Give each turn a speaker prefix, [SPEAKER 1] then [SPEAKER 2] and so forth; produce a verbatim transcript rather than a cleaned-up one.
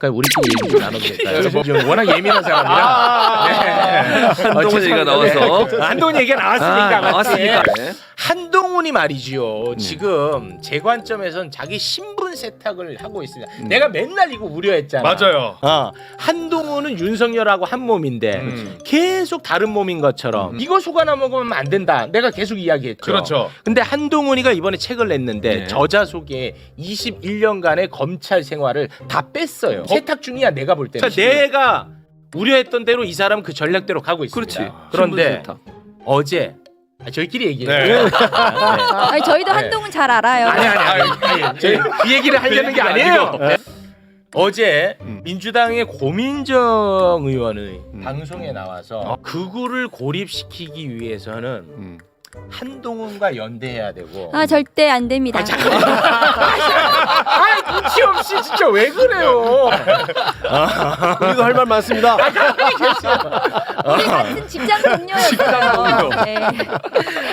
[SPEAKER 1] 그러니까 우리끼리 얘기 좀 나눠도 될까요? 지금 워낙 예민한 사람이라. 네.
[SPEAKER 2] 한동훈 얘기가 나와서.
[SPEAKER 1] 한동훈 얘기가 나왔으니까.
[SPEAKER 2] 아, 나왔으니까. 네.
[SPEAKER 1] 한동훈이 말이지요. 지금 제 관점에선 자기 신분 세탁을 하고 있습니다.
[SPEAKER 2] 음.
[SPEAKER 1] 내가 맨날 이거 우려했잖아.
[SPEAKER 3] 맞아요.
[SPEAKER 1] 어, 한동훈은 윤석열하고 한 몸인데
[SPEAKER 3] 음.
[SPEAKER 1] 계속 다른 몸인 것처럼 이거 속아나 먹으면 안 된다. 내가 계속 이야기했죠.
[SPEAKER 3] 그렇죠.
[SPEAKER 1] 근데 한동훈이가 이번에 책을 냈는데
[SPEAKER 2] 네.
[SPEAKER 1] 저자 속에 이십일 년간의 검찰 생활을 다 뺐어요. 세탁 중이야 내가 볼 때는. 내가 우려했던 대로 이 사람은 그 전략대로 가고 있습니다.
[SPEAKER 2] 그렇지.
[SPEAKER 1] 그런데
[SPEAKER 2] 신분 세탁.
[SPEAKER 1] 어제 아, 저희끼리 얘기해요.
[SPEAKER 3] 네.
[SPEAKER 1] 네.
[SPEAKER 4] 아니, 저희도
[SPEAKER 1] 네.
[SPEAKER 4] 한동훈 잘 알아요.
[SPEAKER 1] 아니 아니 아니, 아니 저희 그 얘기를 하려는 게 아니에요. 네. 어제
[SPEAKER 3] 음.
[SPEAKER 1] 민주당의 고민정 의원의
[SPEAKER 2] 음.
[SPEAKER 1] 방송에 나와서 극우를 고립시키기 위해서는
[SPEAKER 2] 음.
[SPEAKER 1] 한동훈과 연대해야 되고.
[SPEAKER 4] 아, 절대 안 됩니다.
[SPEAKER 1] 아, 잠깐만. 아, 눈치 없이 진짜 왜 그래요?
[SPEAKER 3] 우리도 할 말 많습니다.
[SPEAKER 4] 우리 같은 직장 동료였어요. 네.